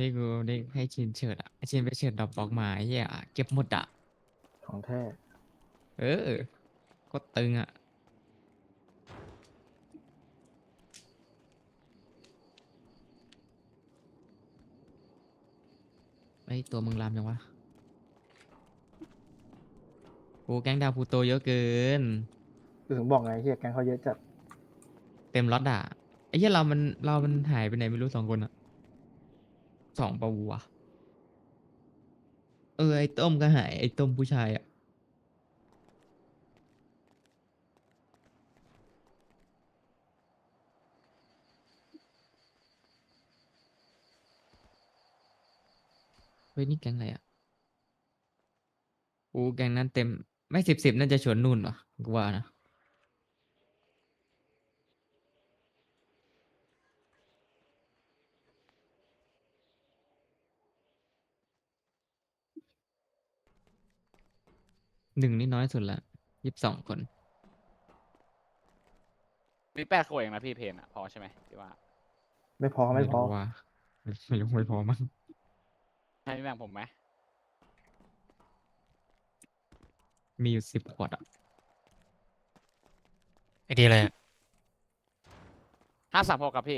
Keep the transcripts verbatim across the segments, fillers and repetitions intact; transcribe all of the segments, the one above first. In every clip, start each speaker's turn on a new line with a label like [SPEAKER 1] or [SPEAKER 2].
[SPEAKER 1] ฮ้ยกูได้ให้ชินเฉิดอ่ะไอ้ชินไปเฉิดดรอปบล็อกมาไอ้เหี้ยเก็บหมดอ่ะ
[SPEAKER 2] ของแท้
[SPEAKER 1] เออก็ตึงอ่ะไอ้ยตัวมึงลามยังวะกูแก๊งดาวพลูโตเยอะเกิน
[SPEAKER 2] คือถึงบอกไงเฮียแกงเขาเยอะจัด
[SPEAKER 1] เต็มล็อตอ่ะไอ้เหี้ยเรามันเรามันหายไปไหนไม่รู้สองคนอ่ะสองปะวะเออไอ้ต้มก็หายไอ้ต้มผู้ชายอ่ะเฮ้ยนี่แก๊งอะไรอ่ะกูแก๊งนั้นเต็มไม่สิบสิบน่าจะชวนนุ่นวะกูว่านะหนึ่งนี่น้อยสุดละยี่สิบสองคน
[SPEAKER 3] มีแปดขวดเองนะพี่เพนอ่ะพอใช่ไหมที่ว่า
[SPEAKER 2] ไม่พอไม่
[SPEAKER 1] ไม่
[SPEAKER 2] พอ
[SPEAKER 1] รู้ว่าไม่รู้ไม่พอมั้ง
[SPEAKER 3] ให้พี่แบ่งผมไหม
[SPEAKER 1] มีอยู่สิบขวดอ่ะ
[SPEAKER 4] ไอเดียอะไรอะ
[SPEAKER 3] ห้าสามหกครับพี่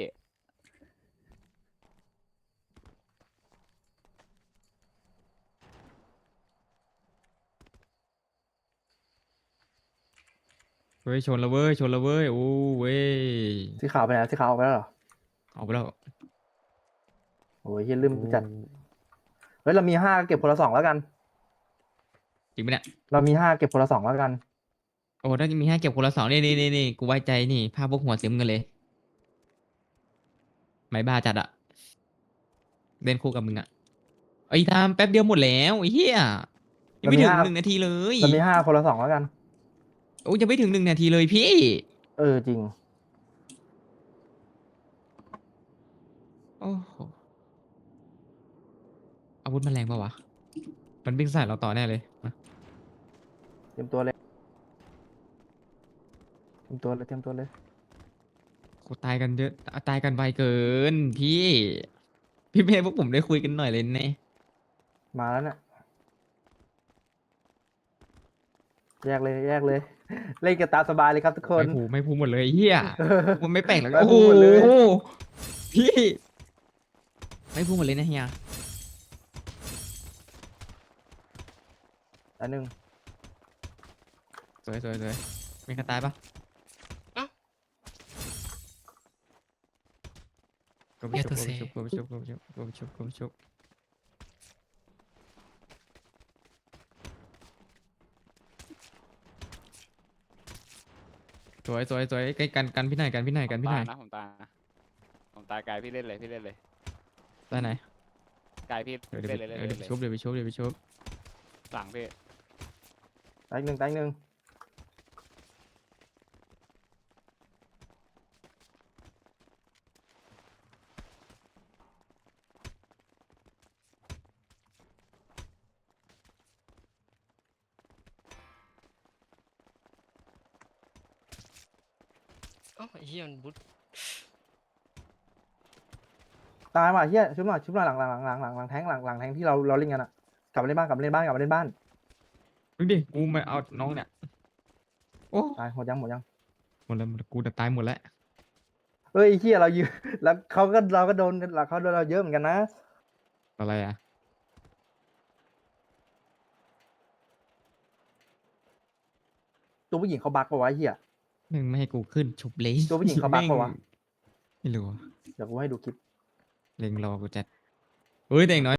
[SPEAKER 1] เฮ้ยชนและเว้ยชนและเว้ยโอ้เว้ย
[SPEAKER 2] สีขาวไปไหนสีขาวออกไปแล้วเหรอ
[SPEAKER 1] เอาไปแล้ว
[SPEAKER 2] โอ้ยเฮียลืม
[SPEAKER 1] โอ้
[SPEAKER 2] จัดเฮ้ยเรามีห้าเก็บคนละสองแล้วกัน
[SPEAKER 1] จริงปะเนี่ย
[SPEAKER 2] เรามีห้าเก็บคนละสองแล้วกัน
[SPEAKER 1] โอ้ถ้ามีให้เก็บคนละสองนี่นี่นี่นี่กูไว้ใจนี่ภาพพวกหัวซิมกันเลยไม่บ้าจัดอะเล่นคู่กับมึงอะไอ้ยทำแป๊บเดียวหมดแล้วไอ้เหี้ยยังไม่ถึง
[SPEAKER 2] เรามีห้า
[SPEAKER 1] หนึ่งนาทีเลย
[SPEAKER 2] เรามีห้าคนละสองแล้วกัน
[SPEAKER 1] โอ้ยังไม่ถึงหนึ่งนาทีเลยพี่
[SPEAKER 2] เออจริง
[SPEAKER 1] โอ้โหอาวุธมันแรงปะวะมันวิ่งใส่เราต่อแน่เลยมา
[SPEAKER 2] เตรียมตัวเลยเตรียมตัวเลยเตรียมตัวเลย
[SPEAKER 1] โหตายกันเยอะตายกันไวเกินพี่พี่เมย์พวกผมได้คุยกันหน่อยเลยแน่
[SPEAKER 2] มาแล้วเนี่ยแยกเลยแยกเลย เล่นกันตามสบายเลยครับทุกคน
[SPEAKER 1] ไม่พูไม่พูหมดเลยเฮียมันไม่แปลกหรอก
[SPEAKER 2] ไม่
[SPEAKER 1] โอ้
[SPEAKER 2] พู
[SPEAKER 1] โห
[SPEAKER 2] หมดเลย
[SPEAKER 1] พี่ไม่พูหมดเลยนะเฮีย
[SPEAKER 2] อันหนึ่ง
[SPEAKER 1] สวยสวยสวยมีใครตายปะก็ไปชุบก็ไปชุบก็ไปชุบก็ไปชุบก็ไปชุบก็ไปชุบสวยสวยสวยใกล้กันกันพี่หน่อยกันพี่หน่อยกัน
[SPEAKER 3] ผม
[SPEAKER 1] พี่หน่
[SPEAKER 3] ตา
[SPEAKER 1] อย ย
[SPEAKER 3] นะผมตายนะผมตายไกลพี่เล่นเลยพี่เล่นเลย
[SPEAKER 1] ได้ไหน
[SPEAKER 3] ไกลพี่
[SPEAKER 1] เดี๋ยวเดี๋
[SPEAKER 3] เล่
[SPEAKER 1] ย
[SPEAKER 3] น
[SPEAKER 1] ว
[SPEAKER 3] เลย
[SPEAKER 1] เดี๋
[SPEAKER 3] เล่
[SPEAKER 1] ย
[SPEAKER 3] น
[SPEAKER 1] ว
[SPEAKER 3] เลย
[SPEAKER 1] เดี๋ยวไปชุบเดี๋ยวไปชุบเดี๋ยวไปชุบ
[SPEAKER 3] หลังพี่
[SPEAKER 2] ตายอีกหนึ่งตายอีกหนึ่ง
[SPEAKER 4] เอ้าไอ้เหี้ยมันบุ๊ท
[SPEAKER 2] ตายว่ะเฮียชุบหน่อยชุบหน่อยหลังหลังหลังหลังหลังแทงหลังหลังแทงที่เราเราเล่นกันอะกลับมาเล่นบ้านกลับมาเล่นบ้านกลับมาเล่นบ้าน
[SPEAKER 1] ดูดิกูมาเอาน้องเนี่ยโอ้
[SPEAKER 2] ตายหมดยังหมดยัง
[SPEAKER 1] หมดแล้วหมดแล้วกูจะตายหมดแล้ว
[SPEAKER 2] เฮ้ยไอ้เฮียเรายืน แล้วเขาก็เราก็โดนเราเขาโดนเราเยอะเหมือนกันนะ
[SPEAKER 1] อะไรอ่ะ
[SPEAKER 2] ตัวผู้หญิงเขาบักปะวะไอ้เฮีย
[SPEAKER 1] แม่งไม่ให้กูขึ้นชุบเลย
[SPEAKER 2] ตัวผู้หญิงเขาบักปะวะ
[SPEAKER 1] ไม่รู้อะ
[SPEAKER 2] เดี๋ยวกูให้ดูคลิป
[SPEAKER 1] เล็งรอกูจัดเฮ้ยแต่อย่างน้อย